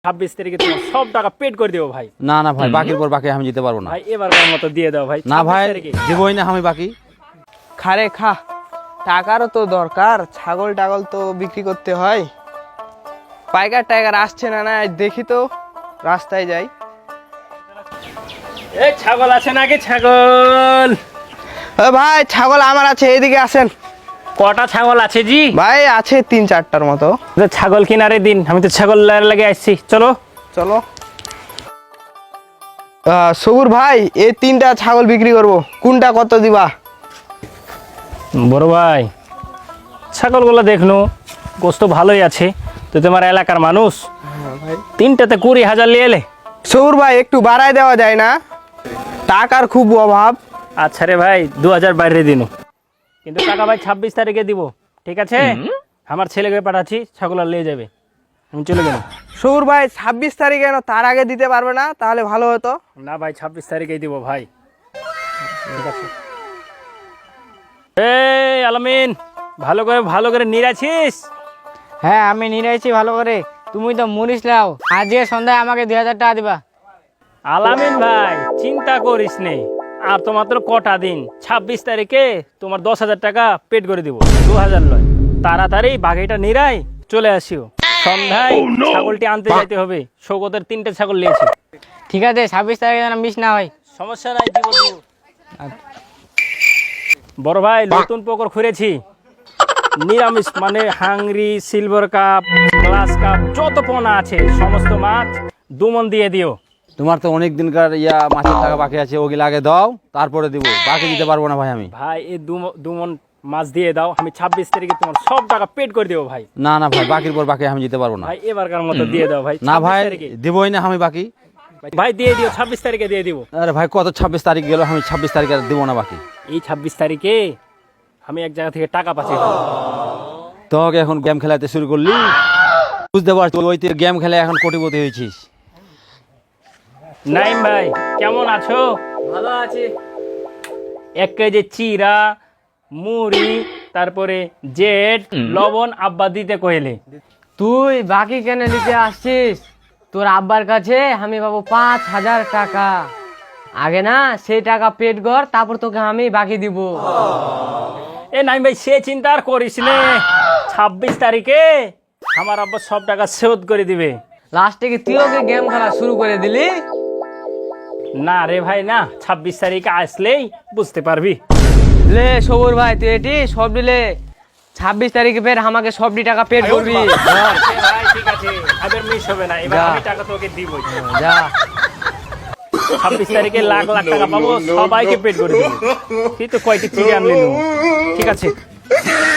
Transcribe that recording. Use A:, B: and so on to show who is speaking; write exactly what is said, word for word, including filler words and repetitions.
A: ছাব্বিশ তারিখে তোমার সব টাকা পেড করে দেবো ভাই।
B: না না ভাই, বাকির পর বাকি আমি দিতে পারবো না
A: ভাই এবারকার মতো দিয়ে দাও ভাই।
B: না ভাই,
A: ছাব্বিশ তারিখে।
B: দিবই না আমি বাকি।
C: খারে খা, টাকারও তো দরকার, ছাগল টাগল তো বিক্রি করতে হয়। পাইকার টাইগার আসছে না না, দেখি তো রাস্তায় যাই।
A: এই ছাগল আছে নাকি? ছাগল
C: ও ভাই, ছাগল আমার আছে, এদিকে আসেন।
A: কটা ছাগল আছে জি?
C: ভাই আছে তিন চারটার মতো।
A: যে ছাগল কিনারে দিন, আমি তো ছাগল লাগে আসছি। চলো
C: চলো। আহ, সবুর ভাই, এই তিনটা ছাগল বিক্রি করব, কোনটা কত দিবা?
A: বড় ভাই, ছাগলগুলো দেখনো গোস্ত ভালোই আছে, তো তোমার এলাকার মানুষ তিনটাতে কুড়ি হাজার নিয়ে এলে।
C: সবুর ভাই, একটু বাড়ায় দেওয়া যায় না? টাকার খুব অভাব।
A: আচ্ছা রে ভাই, দু হাজার বাইরে দিন, কিন্তু টাকা ভাই ছাব্বিশ তারিখে দিব, ঠিক আছে? আমার ছেলেকে পাঠাচ্ছি, ছাগল আর নিয়ে যাবে, আমি চলে গেলাম।
C: সবুর ভাই, ছাব্বিশ তারিখে না, তার আগে দিতে পারবে না? তাহলে ভালো হতো।
A: না ভাই, ছাব্বিশ তারিখেই দিব ভাই। ঠিক আছে। এই আলামিন, ভালো করে ভালো করে নিরাছিস?
D: হ্যাঁ, আমি নিরাইছি ভালো করে। তুমি তো মুনিশ লাও, আজকে সন্ধ্যায় আমাকে দুই হাজার টাকা দিবা।
A: আলামিন ভাই, চিন্তা করিস নে, আর তো মাত্র কটা দিন, ছাব্বিশ তারিখে তোমার দশ হাজার টাকা পেড করে দিব, দু হাজার নয়। তাড়াতাড়ি বাকিটা নিরাই চলে আসিও। সন্ধ্যায় ছাগলটি আনতে যাইতে হবে, সৌগতের তিনটে ছাগল নিয়েছি।
D: ঠিক আছে, ছাব্বিশ তারিখে যেন মিস না হয়।
A: সমস্যা নাই, দিব দিব। বড় ভাই, নতুন পুকুর খুঁড়েছি, নিরামিষ মানে hungry, silver cup, glass cup, যত পোনা আছে সমস্ত মাছ দুমন দিয়ে দিও।
B: তোমার তো অনেক দিনকার ইয়া মাছের টাকা বাকি আছে, ওগুলো আগে দাও, তারপরে দিব। বাকি দিতে পারবো না ভাই আমি।
A: ভাই এই দুম- দুমন মাছ দিয়ে দাও, আমি ছাব্বিশ তারিখে তোমার সব টাকা পেড করে দেবো ভাই।
B: না না ভাই, বাকির পর বাকি আমি দিতে পারবো না।
A: ভাই এবারকার মতো দিয়ে দাও ভাই।
B: না ভাই,
A: ছাব্বিশ তারিখে।
B: দিবই না আমি বাকি।
A: ভাই দিয়ে দিও, ছাব্বিশ তারিখে দিয়ে দিব।
B: আরে ভাই, কত ছাব্বিশ তারিখ গেল, আমি ছাব্বিশ তারিখ আর দিব না বাকি।
A: এই ছাব্বিশ তারিখে আমি এক জায়গা থেকে টাকা পাচ্ছি।
B: তোকে এখন গেম খেলাতে শুরু করলি, বুঝতে পারছি ওই তুই গেম খেলে এখন কোটিপতি হয়েছিস।
A: নাইম ভাই, কেমন আছো?
D: ভালো আছি।
A: এক কেজি চিরা, মুড়ি, তারপরে জেট, লবণ আব্বা দিতে কইলে।
D: তুই বাকি কেন নিতে আসছিস? তোর আব্বার কাছে আমি পাবো পাঁচ হাজার টাকা। আগে না সেই টাকা পেড কর, তারপর তোকে আমি বাকি দিব।
A: এ নাইম ভাই, সে চিন্তা আর করিস নে, ছাব্বিশ তারিখে আমার আব্বা সব টাকা শোধ করে দিবে।
D: লাস্টে কি তুইও কি গেম খেলা শুরু করে দিলি?
A: না রে ভাই না, ছাব্বিশ তারিখে আসলেই বুঝতে পারবি।
D: লে সবুর ভাই, তুই এটি সব দিলে ছাব্বিশ তারিখে ফের আমাকে সবটি টাকা পেড করবি।
A: এ ভাই ঠিক আছে, এবার মিস হবে না, এবার
D: যা।
A: আমি টাকা তোকে দিবই।
D: যা।
A: ছাব্বিশ তারিখে লাখ লাখ টাকা পাবো, সবাইকে পেড করে দেবো। তুই তো কয়টি চিড়ে আনলি? ঠিক আছে।